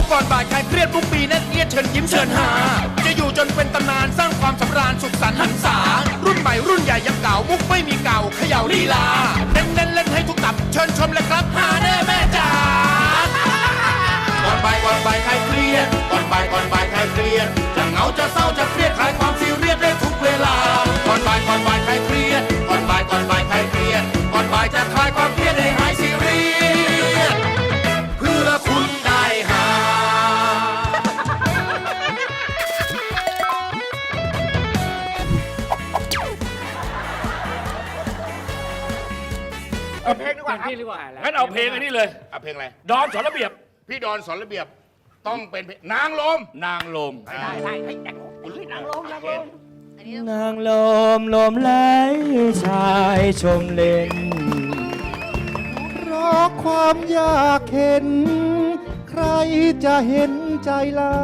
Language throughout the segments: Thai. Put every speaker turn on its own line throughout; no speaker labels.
ก่อนบ่ายคลายเครียดทุกปีแน่นเอียดเชิญยิ้มเชิญหาจะอยู่จนเป็นตำนานสร้างความสำราญสุขสันต์หันษารุ่นใหม่รุ่นใหญ่ยังเก่ามุกไม่มีเก่าเขย่าลีลาเน้นเล่นให้ทุกตับเชิญชมเลยครับหาแน่แม่จ๋าก่อนบ่ายคลายเครียดก่อนบ่ายคลายเครียดจะเหงาจะเศร้าจะเครียดคลายความซีเรียสได้ทุกเวลาก่อนบ่ายคลายเครียดก่อนบ่ายคลายเครียดก่อนบ่ายจะคลายความเครียดให้หายซีเรียสเพื่อคุณได้หา
เอาเพลงดีกว่าครับ
งั้นเอาเพลงอันนี้เลย
เอาเพลงอะไร
ดอนสอนระเบียบ
พี่ดอนสอนระเบียบต้องเป็นเพลงนางลม
นางลม
ได้
นางลมลมไหลชายชมเล่นเพราะความอยากเห็น ใครจะเห็นใจเรา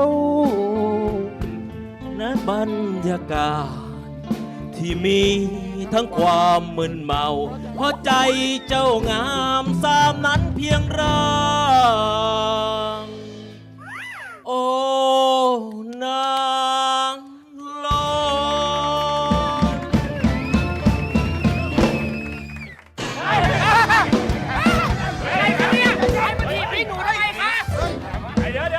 ณบรรยากาศที่มีทั้งความมึนเมา เพราะใจเจ้างามสามนั้นเพียงร่างโอ้นางลม
เดี๋ยว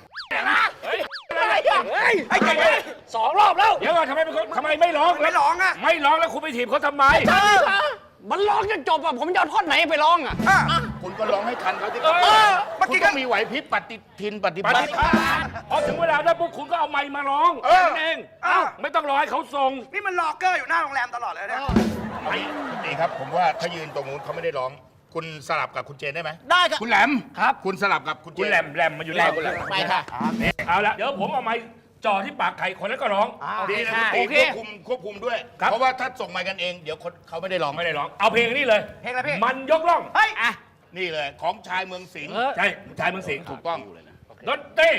สองรอบแล้ว เดี๋ยวก่อนทำไมเป็นคนทำไมไม่ร้อง
ไม่ร้องอ่ะ
ไม่ร้องแล้วคุณไปถีบเขาทำไม
มันร้องจนจบอะผมจะเอาท่อนไหนไปร้องอะ
คุณก็ร้องให้ทันเขาที่
เออ
คุณต้องมีไหวพริบปฏิทินปฏิ
ป
บั
ฏิ
ติ
ภาณพอถึงเวลาแล้วพวกคุณก็เอาไมค์มาร้องนั่นเองไม่ต้องรอให้เขาส่ง
นี่มันรอเกอร์อยู่หน้าโรงแรมตลอดเลยเนี่ย
นี่ครับผมว่าถ้ายืนตรงนู้นเขาไม่ได้ร้อง คุณสลับกับคุณเจนได้ไหม
ได้ครับ
คุณแหลมครับคุณสลับกับคุณเจ
คุณ
น
แหลมมาอยู่นี่
คุณแหลม
ไปค่ะ
เอาละเดี๋ยวผมเอาไมค์จ่อที่ปากไข่คนแล้วก็ร้อง
ดีนะ
โอ
คุณ
เค
ตีควบคุมด้วย
ครับ
เพราะว่าถ้าส่งมากันเองเดี๋ยวคนเขาไม่ได้ร้อง
ไม่ได้ร้อง เอาเพลงนี้เลย
เพลงอะไรพี่
มันยกล่อง
เฮ้ย
นี่เลยของชายเมืองสิงห์
ใช่ชายเมืองสิงห์
ถูกต้อง
ดนตรี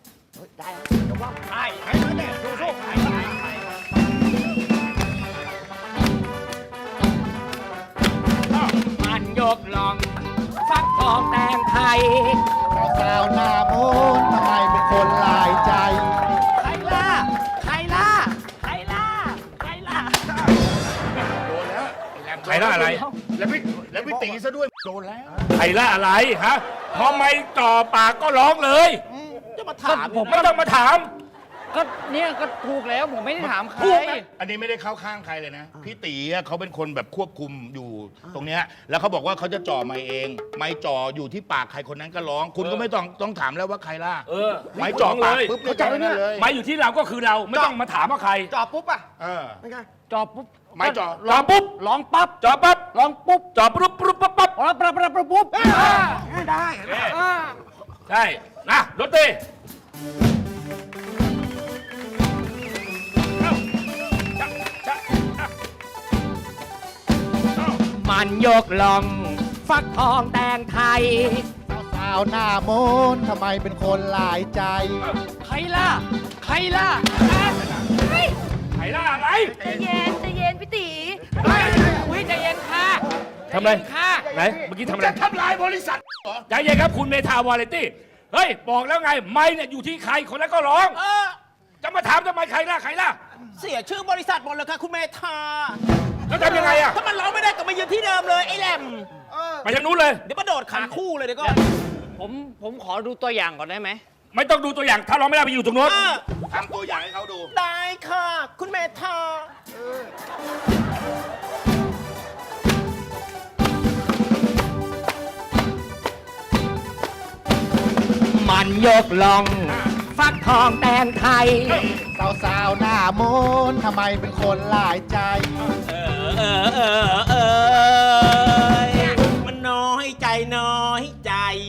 มันยกลองฟักทองแตงไทย
สาวหน้ามนทำไมเป็นคนลายใจ
ใครล่ะใครล่ะใครล่ะใครล่ะ
โดนแล้วแหลม
ใครล่าอะไร
แล้วพี่ตีซะด้วยโดนแล้ว
ใครล่าอะไรฮะพอไม่จ่อปากก็ร้องเลย
จะมาถาม
ผมไม่ต้องมาถาม
ก็เนี่ยก็ถูกแล้วผมไม่ได้ถามใคร
อันนี้ไม่ได้เข้าข้างใครเลยนะ พี่ตีอะเขาเป็นคนแบบควบคุมอยู่ตรงเนี้ยแล้วเขาบอกว่าเขาจะจ่อไม้เอง ไม้จ่ออยู่ที่ปากใครคนนั้นก็ร้อง คุณก็ไม่ต้องถามแล้วว่าใครล่ะ ไม้จ่อปากปุ๊บเข้าใจนั่นเลย
ไม้อยู่ที่เราก็คือเราไม่ต้องมาถามว่าใคร
จอบปุ๊บอ่ะ
เออ
จอบปุ๊บ
ไม้จ่อ
จ่อปุ๊บ
ร้องปั๊บ
จ่อปั๊บ
ร้องปุ๊บ
จ่อปุ๊บปุ๊บปั๊บปั๊บ
ร้องปั๊บปั๊บปั๊บปุ๊บ
ได้
ใช่นะดนตรี
มันยกลองฟักทองแตงไทย
สาวหน้ามนทำไมเป็นคนลายใจ
ใครล่ะใครล่ะ
ใครล่าอะไร
ใจเย็นพี่ตี
อุ้ยใจเย็นค่ะ
ทำอะไร
ใจเย็นค่ะ
ไหนเมื่อกี้ทำอะไร
จะทำลายบริษัทเหรอ
ใจเย็นครับคุณเมธาวาเลตี้เฮ้ยบอกแล้วไงไม้เนี่ยอยู่ที่ใครคนนั้นก็ร้องจะมาถามทำไมใครล่ะใครล่ะ
เสียชื่อบริษัทหมดเลยค่ะคุณเมธา
แล้วทำยังไงอะ
ถ้ามันร้องไม่ได้ก็มายืนที่เดิมเลยไอ้แหลม
ไปทางนู้นเลย
เดี๋ยวมาโดดขันคู่เลยเดี๋ยวก็ผมขอดูตัวอย่างก่อนได้ไหม
ไม่ต้องดูตัวอย่างถ้าร้องไม่ได้ไปอยู่ตรงโน้น
ทำตัวอย่างให้เขาดู
ได้ค่ะคุณเมธามันยกลองฟักทองแตงไทย
สาวหน้ามนทำไมเป็นคนลายใจ
มันน้อยใจน้อยใจ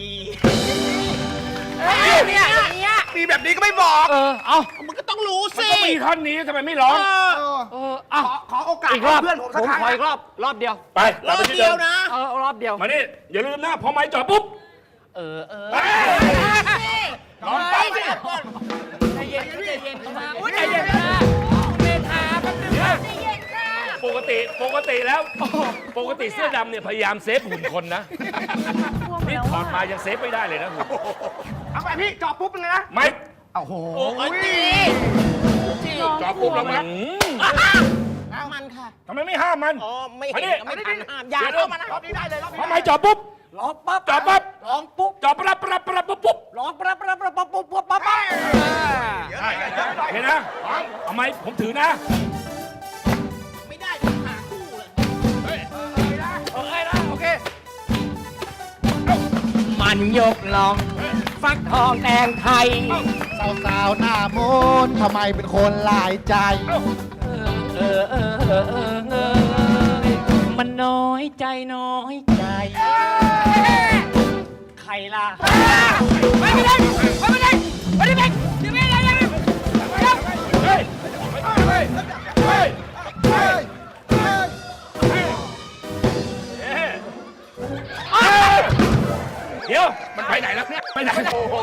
เนี่ยมีแบบนี้ก็ไม่บอก
เอามันก็ต้องรู้
มัน
สิ
ก็มีท่อนนี้ทำไมไม่ร้อง
ขอโอกาส
อีกรอบ
เพื่อนผมสัก
ผม
ครั้ง
ขออีกรอบรอบเดียว
ไป
รอบเดียวนะ รอบเดียว
มานี่อย่าลืมนะพอไม้จ่อปุ๊บ
ร้องปั๊บ
ใจเย็นใจเย็นค่ะใจเย็นค่ะเมธาแป๊บนึงค่ะ
ใจเย็นค่ะ
ปกติแล้วปกติเสื้อดำเนี่ยพยายามเซฟหุ่นคนนะนี่ถอดมายังเซฟไม่ได้เลยนะหุ่น
เอาไปพี่จอบปุ๊บเลยนะ
ไม่
โอ้โห
จอปุ๊บแล้วมัน
มันค่ะ
ทำไมไม่ห้ามมัน
อ๋อ ไม่
มา
เห็
ดิ
นไม่ทันห้ามอย่าเข้ามานะ
รอบนี้ได้เลยรอบนี้
ทำไมจอดปุ๊บ
ร้องปั๊บ
จอดปั๊บ
ร้องปุ๊บ
จอดปั๊บปั๊บปั๊บปุ๊บปุ๊บ
ร้องปั๊บปั๊บปั๊บปั๊บปุ๊บปุ๊บปั๊บปั๊บ
เห็นนะเอาไหมผมถือนะ
ไม่ได้ต้องหาคู่เลย
โอเคนะโอเค
มันยกลอง ฟักทองแดงไทย
สาวๆหน้ามนต์ทำไมเป็นคนหลายใจ
มันน้อยใจน้อยใจ ใครล่ะ ไม่ได้ ไม่ได้ ไม่ได้ ไม่ได้ ไม่ได้
เฮ้ย เฮ้ย เฮ้ย เดี๋ยว
มันไปไหนแล้วเนี่ย
ไปไหน
โอ้โห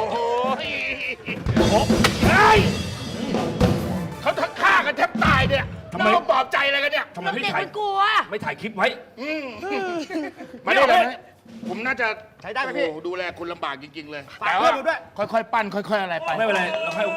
เฮ้ย
เขาทั้งฆ่ากันแทบตายเนี่ย
ทำไม
แล้วมาปลอบใจอะไรกันเนี่ย
ทำไม
เรา
ไม่
เด็ก
ถ่าย
มันกลัว
ไม่ถ่ายคลิปไว้
มาได้เลยนะผมน่าจะ
ใช้ได้ไหมพี่
โอ้โดูแลคุณลำบากจริง ๆ เลย
ฝากเพื่อนดูด้วย
ค่อยๆ ปั้น ค่อย ๆ อะไรไป
ไม่เป็นไรเราให้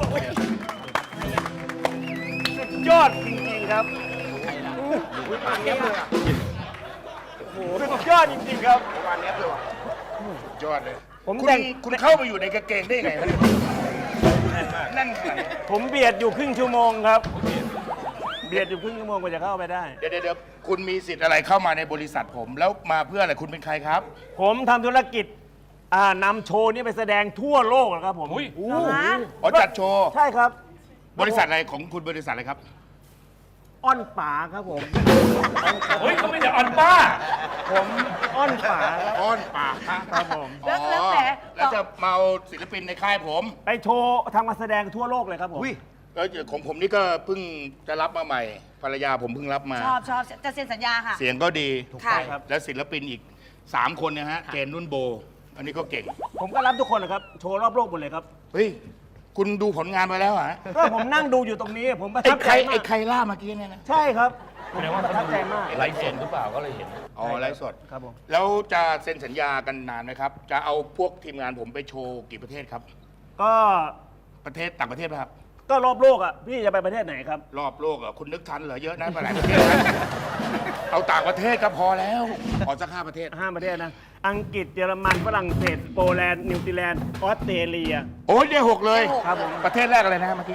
ยอดจริงๆครับปานเนี้ยเลยอ่ะโอ้โหสุดยอดจริงๆครับปานเนี้ยเลยว่ะ
ยอดเลย
ผม
คุณ
แต่ง
คุณเข้าไปอยู่ในกางเกงได้ไงครับนั่นขนาดนี้
ผมเบียดอยู่ครึ่งชั่วโมงครับ เบียดอยู่ครึ่งชั่วโมงกว่าจะเข้าไปได้
เดี๋ยวคุณมีสิทธิ์อะไรเข้ามาในบริษัทผม แล้วมาเพื่ออะไรคุณเป็นใครครับ
ผมทำธุรกิจนำโชว์นี้ไปแสดงทั่วโลกนะครับผม
อุ้ย
เหรอคะ
อ๋อจัดโชว์
ใช่ครับ
บริษัทอะไรของคุณบริษัทอะไรครับ
อ้อนป๋าครับผม
เฮ้ยเขาไม่ได้อ่อนป้า
ผมอ้อนป๋าครับ
อ้อนปาก
ครับผม
แล้ว
อ๋อ
แต่
แล้วจะเมาศิลปินในค่ายผม
ไปโชว์ทำมาแสดงทั่วโลกเลยครับผม
แล้วของผมนี่ก็เพิ่งจะรับมาใหม่ ภรรยาผมเพิ่งรับมา
ชอบจะเซ็นสัญญาค่ะ
เสียงก็ดี
ค่ะ
ครับ
แล้วศิลปินอีก 3 คนนะฮะ เจนนุ่นโบ อันนี้ก็เก่ง
ผมก็รับทุกคนนะครับ โชว์รอบโลกหมดเลยครับ
เฮ้ย คุณดูผลงานมาแล้วเหรอฮะ
ก็ผมนั่งดูอยู่ตรงนี้ ผมประ
ไอ้
ทับ
ใค
ใจ
ร
มา
ไอ้
ก
ใครล่าเมื่อกี้เนี่ยนะ
ใช่ครับผมประทับใจมาก
ไลฟ์สดหรือเปล่าก็เลยเห็น
อ๋อไลฟ์สด
ครับผม
แล้วจะเซ็นสัญญากันนานไหมครับ จะเอาพวกทีมงานผมไปโชว์กี่ประเทศครับ
ก็
ประเทศต่างประเทศไหมครับ
ก็รอบโลกอ่ะ พี่จะไปประเทศไหนครับ
รอบโลกเหรอคุณนึกทันเหรอเยอะนะไปหลายประเทศนะ เอาต่างประเทศก็พอแล้วขอสัก5 ประเทศ
5 ประเทศนะ อังกฤษ เยอรมัน ฝรั่งเศส โปแลนด์ นิวซีแลนด์ ออสเตรเลีย
โอ้ยได้6เลย
ครับผม
ประเทศแรกอะไรนะเมื่อกี้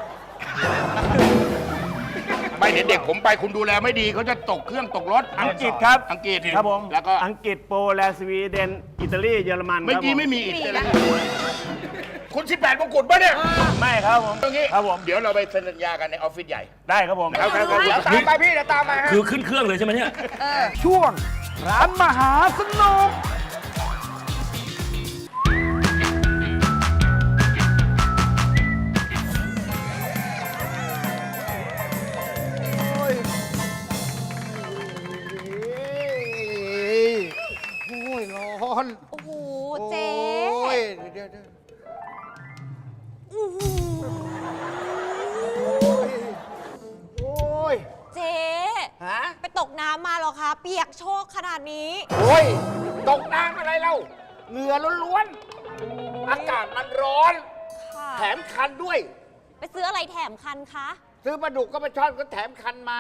ไม่เดี๋ยวเด็กผมไปคุณดูแลไม่ดีเขาจะตกเครื่องตกรถ
อังกฤษครับ
อังกฤษ
ครับผม
แล้วก็
อังกฤษ โปแลนด์ สวีเดน อิตาลี เยอรมัน
เมื่อกี้
ครับผ
ไม่มีอีกเลยคุณ18มงกุฎป่ะเนี่ย
ไม่ครับผม
ตรงนี้
ครับผม
เดี๋ยวเราไปเซ็นสัญญากันในออฟฟิศใหญ่
ได้ครับผม
ครับครับครับ
เดี๋ยวตามไปพี่เดี๋ยวตามไปฮะ
คือขึ้นเครื่องเลยใช่ไหมเนี่ย
ช่วงร้านมหาสนุก โอ้ยร้อน
โอ้โห เจ๊
โอ้ยเดี๋ยว
อื้อหือ
โอ้ย
เจ๊
ฮะ
ไปตกน้ำมาเหรอคะ เปียกโชกขนาดนี้
โอ้ย ตกน้ำอะไรเล่าเหงื่อล้วนๆ อากาศมันร้อน
ค่ะ
แถมคันด้วย
ไปซื้ออะไรแถมคันคะ
ซื้อปลาดุกก็ไปช่อนก็แถมคันมา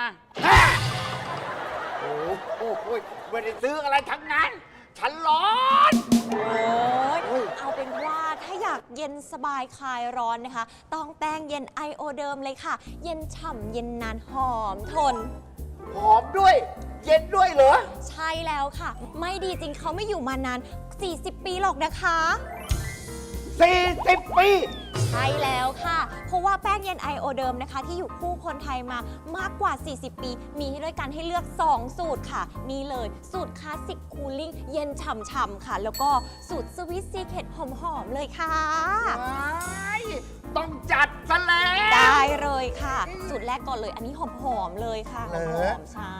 โอ้โหไม่ได้ซื้ออะไรทั้งนั้น ฉันร้อน
โอ้ยเอาเป็นว่าถ้าอยากเย็นสบายคลายร้อนนะคะ ต้องแป้งเย็นไอโอเดิมเลยค่ะ เย็นฉ่ำเย็นนานหอมทน
หอมด้วย เย็นด้วยเหรอ
ใช่แล้วค่ะ ไม่ดีจริงเขาไม่อยู่มานาน 40 ปีหรอกนะคะ
40 ปี
ใช่แล้วค่ะ เพราะว่าแป้งเย็นไอโอเดิมนะคะ ที่อยู่คู่คนไทยมามากกว่า 40 ปี มีให้ด้วยกันให้เลือก 2 สูตรค่ะ นี่เลยสูตรคลาสสิกคูลิ่งเย็นฉ่ำๆค่ะ แล้วก็สูตรสวิตซีเคทหอมๆเลยค่ะ
ต้องจัดซะแล้ว
ได้เลยค่ะ สูตรแรกก่อนเลย อันนี้หอมๆเลยค่ะห
เหร
อ
อ
มๆใช่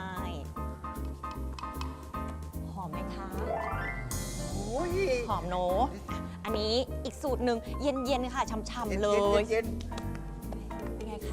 หอมไหมคะ
โอ้ย
หอมโนอะอันนี้อีกสูตรหนึ่งเย็นๆค่ะฉ่ำๆเลย
เย็น
เป็นไงคะ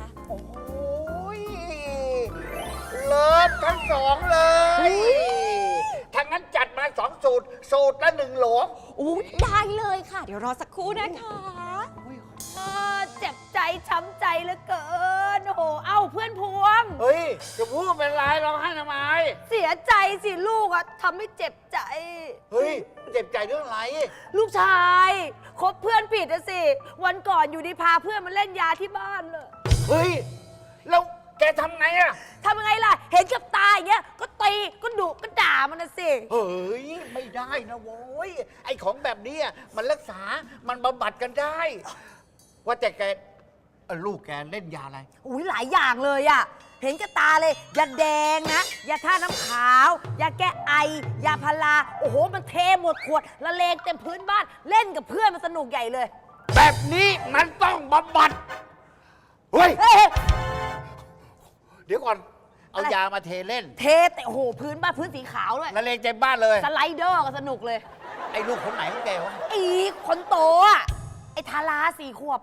ๆโอ้ย เลิศทั้งสองเลย ทั้งงั้นจัดมา2 สูตร สูตรละ 1 โหล
อู้ได้เลยค่ะ เดี๋ยวรอสักครู่นะคะ
เจ็บใจช้ำใจเหลือเกิน โอ้โห เอ้าเพื่อนพวง
เฮ้ยจะพูดเป็นไรร้องไห้ทำไม
เสียใจสิลูกอะทำให้เจ็บใจ
เฮ้ย เจ็บใจเรื่องอะไร
ลูกชายคบเพื่อนผิดอะสิ วันก่อนอยู่ดีพาเพื่อนมาเล่นยาที่บ้านเลย
เฮ้ย แล้วแกทำไงอะ
ทำยังไงล่ะ เห็นกับตาอย่างเงี้ย ก็ตีก็ดุก็ด่ามันนะสิ
เฮ้ย ไม่ได้นะโว้ย ไอ้ของแบบนี้มันรักษา มันบำบัดกันได้ ว่าแต่แกลูกแกเล่นยาอะไร
อุ้ยหลายอย่างเลยอะเห็นกับตาเลยยาแดงนะยาท่าน้ำขาวยาแก้ไอยาพาราโอ้โหมันเทหมดขวดละเลงเต็มพื้นบ้านเล่นกับเพื่อนมันสนุกใหญ่เลย
แบบนี้มันต้องบำบัด เฮ้ย
เฮ้ย
เดี๋ยวก่อน เอายามาเทเล่น
เทแต่โอ้โหพื้นบ้านพื้นสีขาวด้วย
ละเลงเต็มบ้านเลย
สไลเดอร์ก็สนุกเลย
ไอ้ลูกคนไหนของแกวะ
อีคนโตอะไอ้ทารา4 ขวบ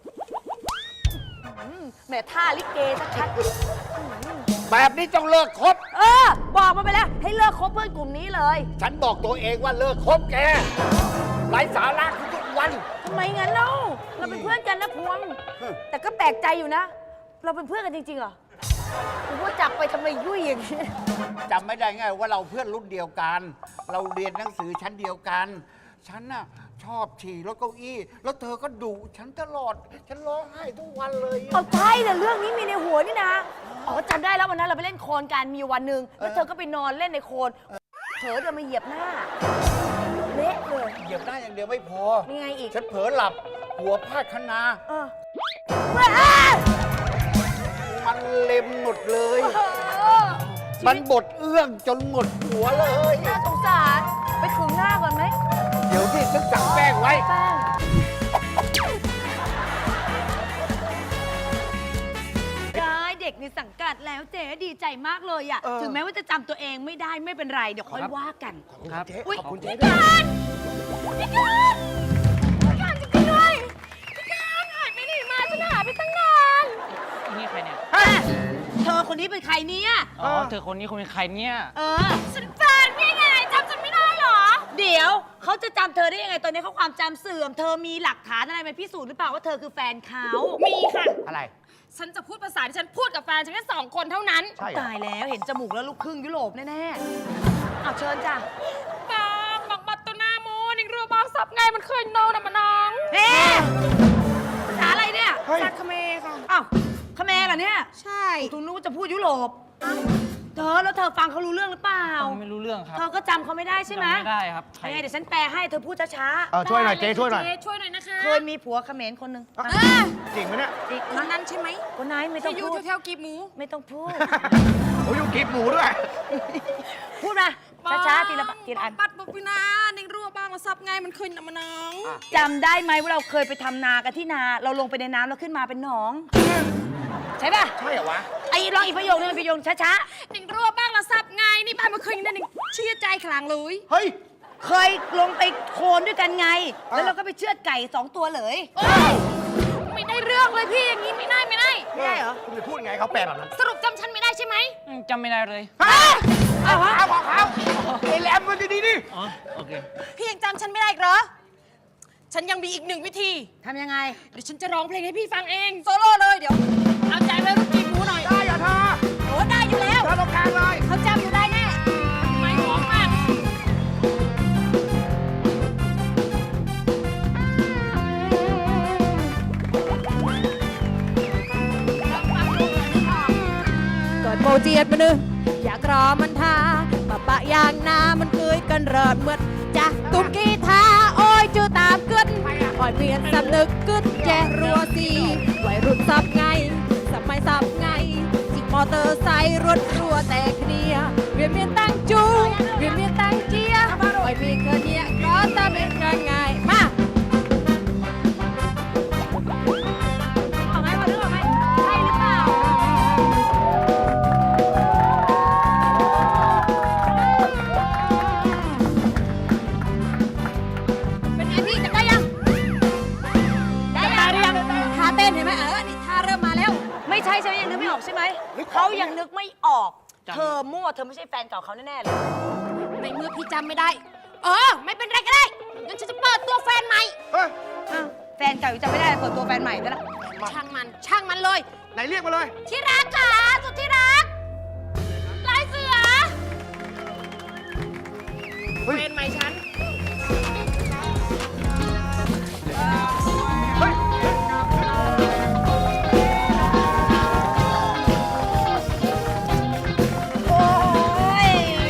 แหม่ท่าลิเกชัด
แบบนี้ต้องเลิกคบ
ๆบอกมาไปแล้ว ให้เลิกคบเพื่อนกลุ่มนี้เลย
ฉันบอกตัวเองว่าเลิกคบแกไร้สาระทุกวัน
ทำไมงั้นเล่าเราเป็นเพื่อนกันนะพวง แต่ก็แปลกใจอยู่นะ เราเป็นเพื่อนกันจริงๆเหรอผมว่าจับไปทำไมยุ่ยอย่างนี้
จำไม่ได้ไงว่าเราเพื่อนรุ่นเดียวกัน เราเรียนหนังสือชั้นเดียวกัน ฉันน่ะชอบฉี่รถเก้าอี้ แล้วเธอก็ดุฉันตลอด ฉันร้องไห้ทุกวันเลย
เอาใช่แต่เรื่องนี้มีในหัวนี่นะ อ๋อจำได้แล้ววันนั้นเราไปเล่นโคลนกันมีวันหนึ่งแล้วเธอก็ไปนอนเล่นในโคลนเผลอเดินมาเหยียบหน้า เละเลย
เหยียบหน้าอย่างเดียวไม่พอ
มีไงอีก
ฉันเผลอหลับ หัวพาดคะนา
เออเว้ยอ้า
มันเล็มหมดเลย
เออ
มันบดเอื้องจนหมดหัวเลย
น่าสงสาร ไปขึงหน้าก่อนไหม
เดี๋ยวที่ฉันสั่งแป้งไว้
แป้งได้เด็กในสังกัดแล้วเจ๊ดีใจมากเลยอะถึงแม้ว่าจะจำตัวเองไม่ได้ไม่เป็นไร เดี๋ยวค่อยว่ากัน
ครับ
อุ๊ย
ขอบคุณเจ๊
พี่การพี่การจริงๆด้วยพี่การหายไปไหนมาฉันหาไปตั้งนาน
นี่ใครเนี่ย
เธอคนนี้เป็นใครเนี่ย
อ๋อ เธอคนนี้คนเป็นใครเนี่ย
ฉันแฟนพี่ไงจำฉันไม่ได้เหรอ เดี๋ยวเขาจะจำเธอได้ยังไงตอนนี้เขาความจำเสื่อม เธอมีหลักฐานอะไรมาพิสูจน์หรือเปล่าว่าเธอคือแฟนเขา
มีค่ะ
อะไร
ฉันจะพูดภาษาที่ฉันพูดกับแฟนฉันแค่2 คนเท่านั้น
ใช่เหรอ
ตายแล้วเห็นจมูกแล้วลูกครึ่งยุโรปแน่ๆเอาเชิญจ้ะ
บางบักบัตตัวหน้าโมนิงรัวบางสับไงมันเคยโนนะมะน้อง
เฮ้ภาษาอะไรเนี่ย
สักคเมค่ะ
อ้าวคาเขมรเหรอเนี่ย
ใช่
ทุนู้จะพูดยุโรปเธอแล้วเธอฟังเขารู้เรื่องหรือเปล่า
ไม่รู้เรื่องครับ
เธอก็จำเขาไม่ได้ใช่ไหม
จำไม่ได้ครับใคร
ยังไงเดี๋ยวฉันแปลให้เธอพูดช้า
ช่วยหน่อยเจ๊ช่วยหน่อย
เจ๊ช่วยหน่อยนะคะ
ๆเคยมีผัวเขมรคนหนึ่ง
จริงไหมเนี่ย
อีก
คนนั้นใช่ไหม
คนไหนไม่ต้อ
ที่
ง
อยู่
พูด
แถวๆกีบหมู
ไม่ต้องพูด
โอ้ยอยู่กิบหมูด้วย
พูดมาช้าๆทีละทีละอัน
บัตรบุปินานิงรัวบางมาสับไงมันเคยนะมะน้อง
จำได้ไหมว่าเราเคยไปทำนากันที่นา เราลงไปในน้ำแล้วขึ้นมาเป็นหนอง ใช่ป่ะ
ใช่เหรอวะ
ไอ้ลองอีกประโยคนึงประโยคช้า
นิงรัวบางละสับไงนี่บ้านมันเคยนั่นนิงเชื่อใจขลังเลย
เฮ้ย
ๆเคยลงไปโคลนด้วยกันไง แล้วเราก็ไปเชือดไก่2 ตัวเลย
โอ้ยไม่ได้เรื่องเลยพี่อย่างนี้ไม่ได้ไม่ได้
ไม่ได้เหรอ
คุณจะพูดไงเขาแปลแบบนั้น
สรุปจำฉันไม่ได้ใช่ไหม
จำไม่ได้เลย
เอาบอกเขาไอ้แหลมมันดีๆดิ
อ๋อ โอเค
พี่ยังจำฉันไม่ได้อีกเหรอ ฉันยังมีอีก1 วิธี
ทำยังไง
เดี๋ยวฉันจะร้องเพลงให้พี่ฟังเอง โซโล่เลยเดี๋ยว เอาใจไว้รุ่นจีบหมูหน่อย
ได้อย่าเธอ
โอ้ได้อยู่แล้ว
เธอตรงกลางเลย
เขาจำอยู่ได้แน่ ไม่หอมมาก
กดโปรเจียดมานึอยากรอมันทาปะอย่างนามันเคยกันเริดเมื่อจะตุ้มกีทาโอ้ยจูตามกึนอ่อยเปลี่ยนสำนึกกึนแจรัวสีวัยรุ่นสับไงสมัยสับไงจิกมอเตอร์ไซค์รถรัวแต่เคลียเวียนเมียนตั้งจูเวียนเมียนตั้งเจียอ่อยมีเกินเนี่ยก็ตามเป็นกันไงมา
ออกไหมพอนึกออกไหมใช่หรือเปล่า
เป็นไงพี่จำได้ยัง
ได้ยังท่าเต้นเห็นไหมนี่ท่าเริ่มมาแล้ว ไม่ใช่ใช่ไหมยังนึกไม่ออกใช่ไหมเขายังนึกไม่ออก เธอมั่วเธอไม่ใช่แฟนเก่าเขาแน่ๆเลย
ในเมื่อพี่จำไม่ได้ ไม่เป็นไรก็ได้ งั้นฉันจะเปิดตัวแฟนใหม่
เฮ้ย
อ้าวแฟนเก่าอยู่จำไม่ได้เปิดตัวแฟนใหม่ได้ละ
ช่างมันเลย
ไหนเรียกมาเลย
ที่รักค่ะสุดที่รักลายเสือ
เฮ้ย
แฟนใหม่ฉัน
เฮ้ย
โอ้ย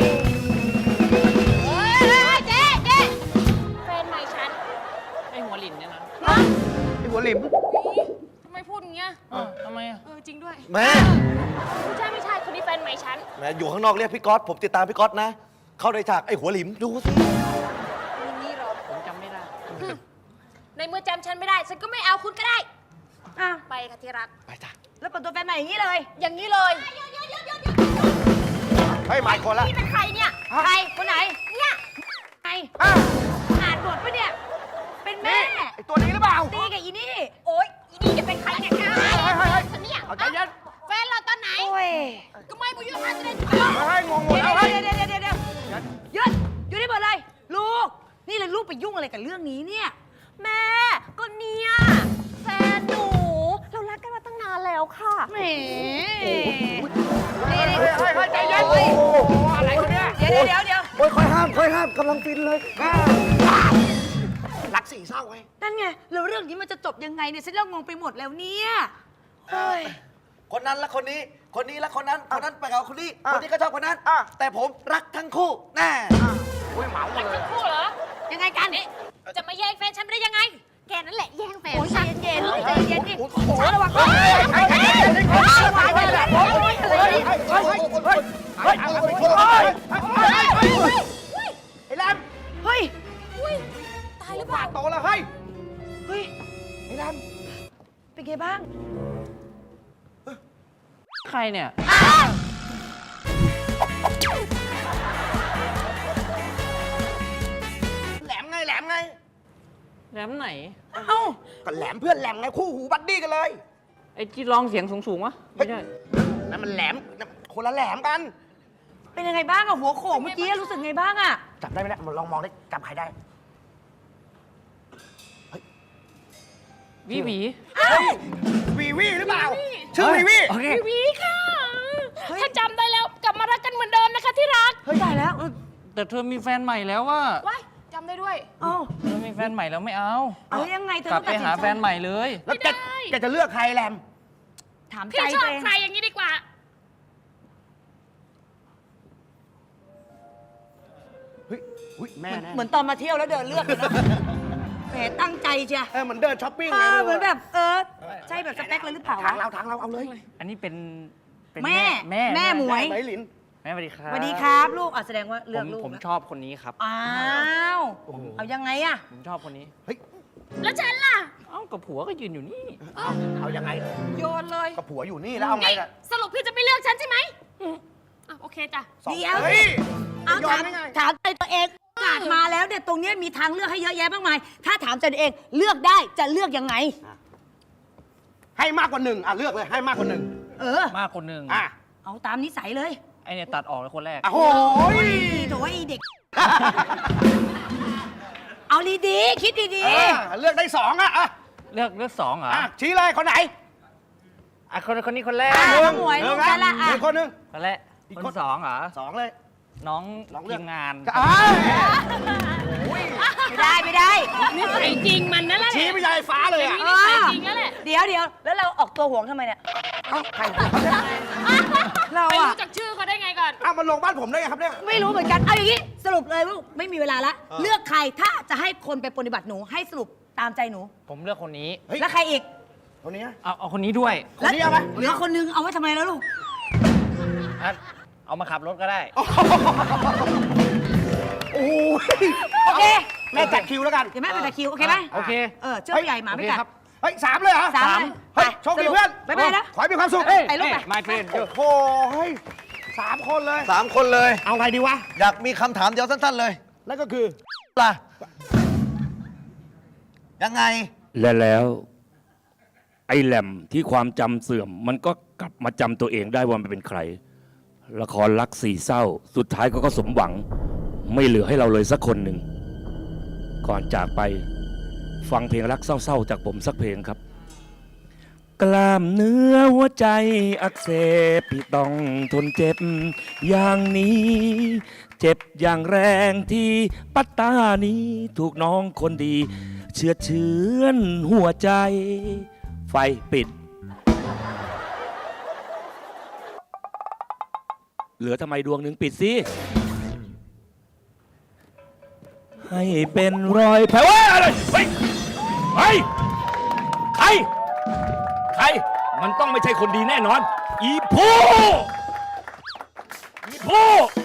เจ๊แฟนใหม่ฉัน
ไอหัวหลินเนี่ยนะ
ไอ้หัวหลิม
ทำไมพูดอย่างเงี้ย
ทำไมอ่ะ
จริงด้วย
แม่
ไม่ใช่คนนี้แฟนใหม่ฉัน
แม่อยู่ข้างนอกเรียกพี่ก๊อตผมติดตามพี่ก๊อตนะ เข้าในฉากไอ้หัวหลิมดูสิ
นี่หรอ
ผมจำไม่ได้
ในเมื่อจำฉันไม่ได้ ฉันก็ไม่เอาคุณก็ได้
อ้าว
ไปค่ะที่รัก
ไปจ้ะ
แล้วเปิดตัวแฟนใหม่อย่างนี้เลย
อย่างนี้เลย
เฮ้ยหมายคนละ
นี่เป็นใครเนี่ย
ใครคนไหน
เนี่ย
ใคร
อ้าว
อ่านบทปะเนี่ย เป็นแม่
ไอ้ตัวนี้หรือเปล่า
ตีกับอีนี่
โอ๊ยอีนี่จะเป็นใครเนี่ย
เฮ้ย
ฉันเนี่ย
เอาใจเย็น
แฟนเราตอนไหน
โอ้ย
ก็ไม่บุญยพาจะได้
เฮ้ยงงหมด
เดี๋ยว
แล้วเฮ้ย
เดี๋ยวหยุดอยู่ได้หมดเลย ลูก นี่เลยลูกไปยุ่งอะไรกับเรื่องนี้เนี่ย
แม่ ก็เนี่ยแฟนหนู เรารักกันมาตั้งนานแล้วค่ะ
แหม
เฮ้ยใจเย็น โอ้โหอะไรกันเนี่ย
เดี๋ยว
โอ้ยค่อยห้ามกำลังฟินเลย
รักสี่เศร้าไง
นั่นไงแล้วเรื่องนี้มันจะจบยังไงเนี่ยฉันเริ่มงงไปหมดแล้วเนี่ยเฮ้ย
คนนั้นและคนนี้ คนนี้และคนนั้น คนนั้นไปกับคนนี้
อ่ะ
คนนี้ก็ชอบคนนั้น
อ่ะ
แต่ผมรักทั้งคู่ แน่
อุ้ยเหมาหมดเลย
คู่เหรอ
ยังไงกัน
จะมาแย่งแฟนฉันไม่ได้ยังไง แกนั่นแหละแย่งแฟน
โอ้ยใจ
ฉัน
เย็นๆใจเย็นๆดิ
โอ้โห
ระวัง
เฮ้ยไอ้แรม
เฮ้ย
ตายหรือเปล่า
โตแล้วเฮ้ย
เฮ้ย
ไอ้แรม
เป็นไงบ้าง
ใครเนี่ย
แหลมไงแหลมไง
แล้วไหน
เอ้า
ก็แหลมเพื่อนแหลมไงคู่หูบัดดี้กันเลย
ไอ้ที่ร้องเสียงสูงๆวะ ไม่ใช่
นั่นมันแหลมคนละแหลมกัน
เป็นยังไงบ้างอะหัวโขกเมื่อกี้รู้สึกไงบ้างอะ
จับได้ไหมเนี่ยลองมองได้จับใครได้
วิหวี
วีวีหรือเปล่า ชื่อวีวี
โอเค
วีค่ะ ถ้าจำได้แล้วกลับมารักกันเหมือนเดิมนะคะที่รัก
เฮ้ยตายแล้ว
แต่เธอมีแฟนใหม่แล้วว่า
ว้ายจำได้ด้วย
เอ้า
เธอมีแฟนใหม่แล้วไม่เอา
เอายังไงเธอก
ลั
ต้
บ
อง
ไป
ตัดสิน
หา
ใจ
แฟนใหม่เลย
แล้วแกจะเลือกใครแรม
ถาม
พี่
ใจ
ชอ
ตัว
บ
เอง
ใครอย่างนี้ดีกว่า
เฮ้ยอุ๊ยแม่แน่
เหมือนตอนมาเที่ยวแล้วเดินเลือกเลยนะแหมตั้งใจเชีย
เหมือนเดินช้อปปิ้ง
เหมือนแบบใช่แบบสเปคเลยหรือเปล่า
ทาง
วะ
เราเอาเลย
อันนี้เป็น
แม่
แม่
หมวย
ไหนหลิน
แม่สวัสดีครับ
สวัสดีครับลูกแสดงว่าเลือก
ผม
ลูก
ผม
นะ
ชอบคนนี้ครับ
อ้าวเอายังไงอะ
ผมชอบคนนี้
แล้วฉันล่ะ
เอ้ากับผัวก็ยืนอยู่นี่
เอายังไง
โยนเลย
กับผัวอยู่นี่แล้วเอาไง
นี่
ล่ะ
สรุปพี่จะไม่เลือกฉันใช่ไหมโอเคจ้ะ
สอง
เดี๋ยว
เฮ้ย
เอา
ยอ
ถาม ม
ได้ไง
ถามใจตัวเองโอกาสมาแล้วเนี่ยตรงเนี้ยมีทางเลือกให้เยอะแยะมากมาย ถ้าถามใจตัวเองเลือกได้จะเลือกยังไง
ให้มากกว่าหนึ่งเลือกเลยให้มากกว่าหนึ่ง
เออ
มากคนหนึ่ง
เอาตามนิสัยเลย
ไอเนี่ยตัดออกเลยคนแรก
โอ้โห
โถ่ไอ้เด็ก เอาดีๆคิดดี
เลือกได้สองอ่ะ
เลือกสองเหรอ
ชี้เลยคนไหน
อ่ะคนนี้คนแรก
ๆน้องหมวยลูกกันละ
หนึ่งคนหนึ่ง
คนแรกคนสองเหรอ
สองเลย
น้อง
ลองเลื
ที
อก
มงาน
ไม่ได้
นิสัยจริงมันนั่นแหละ
ชี้ไปยายฟ้าเลยอ่ะ
นิสัยจริงนั่นแหละ
เดี๋ยวแล้วเราออกตัวห่วงทำไมเนี่ย
ใคร
เรา
ไม่
อะ
รู้จักชื่อเขาได้ไงก่อน
มันลงบ้านผมได้ไงครับเนี่ย
ไม่รู้เหมือนกันเอาอย่างนี้สรุปเลยว่าไม่มีเวลาละเลือกใครถ้าจะให้คนไปปฏิบัติหนูให้สรุปตามใจหนู
ผมเลือกคนนี้
เฮ้ย
แล้วใครอีก
คนนี้
เอาคนนี้ด้วย
คนนี้เอาไหม
เหลือคนนึงเอาไว้ทำไมแล้วลูก
อ่ะเอามาขับรถก็ได้
โอ้ย
โอเค
แม่จัดคิวแล้วกัน
เดี๋ยวแม่ไปตะคิวโอเคไหม
โอเค
เชื่อผู้ใหญ่หมาไม่กัด
โอเคครับ
เฮ้ยสามเลยเหรอ
สาม
เฮ้ยโชคดีเพื่อน
บ๊ายบายนะ
ขอให้มีความสุข
ไปลูกไป
my friend
โอ้โหเฮ้ยสามคนเลย
3 คนเลย
เอาไงดีวะ
อยากมีคำถามเดียวสั้นๆเลย
นั่นก็คือ
ล่ะ ยังไง
และแล้ว ไอ้แหลมที่ความจำเสื่อม มันก็กลับมาจำตัวเองได้ว่ามันเป็นใคร ละครรักสี่เศร้า สุดท้ายก็สมหวังไม่เหลือให้เราเลยสักคนหนึ่ง ก่อนจากไปฟังเพลงรักเศร้าๆจากผมสักเพลงครับ กล้ามเนื้อหัวใจอักเสบพี่ต้องทนเจ็บอย่างนี้ เจ็บอย่างแรงที่ปัตตานีถูกน้องคนดีเชือดเฉือนหัวใจ ไฟปิด เหลือทำไมดวงหนึ่งปิดสิให้เป็นรอยแผลว่าอะไรเฮ้ยเฮ้ยใครใครมันต้องไม่ใช่คนดีแน่นอน อีผู้อีผู้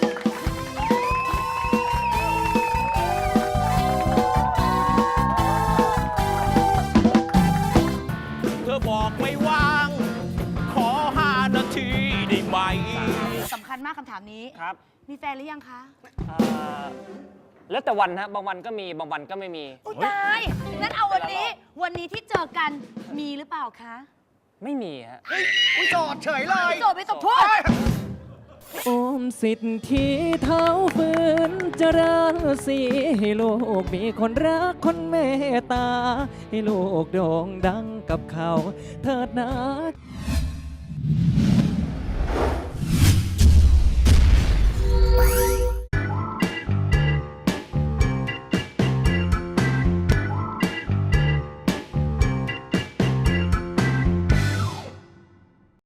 เธอบอกไม่ว่าง ขอ5 นาทีได้ไหม
สำคัญมากคำถามนี้
ครับ
มีแฟนหรือยังคะ
แล้วแต่วันฮะ บางวันก็มี บางวันก็ไม่มี
อุ้ยตาย งั้นเอาวันนี้ที่เจอกันมีหรือเปล่าคะ
ไม่มีฮะ
อุ้ยโจทย์เฉยเลย
โจทย์ไม่ต้องพูด
โอมสิทธิเท้าฝืนเจริญสีให้ลูกมีคนรักคนเมตตา ให้ลูกโด่งดังกับเขาเถิดนะ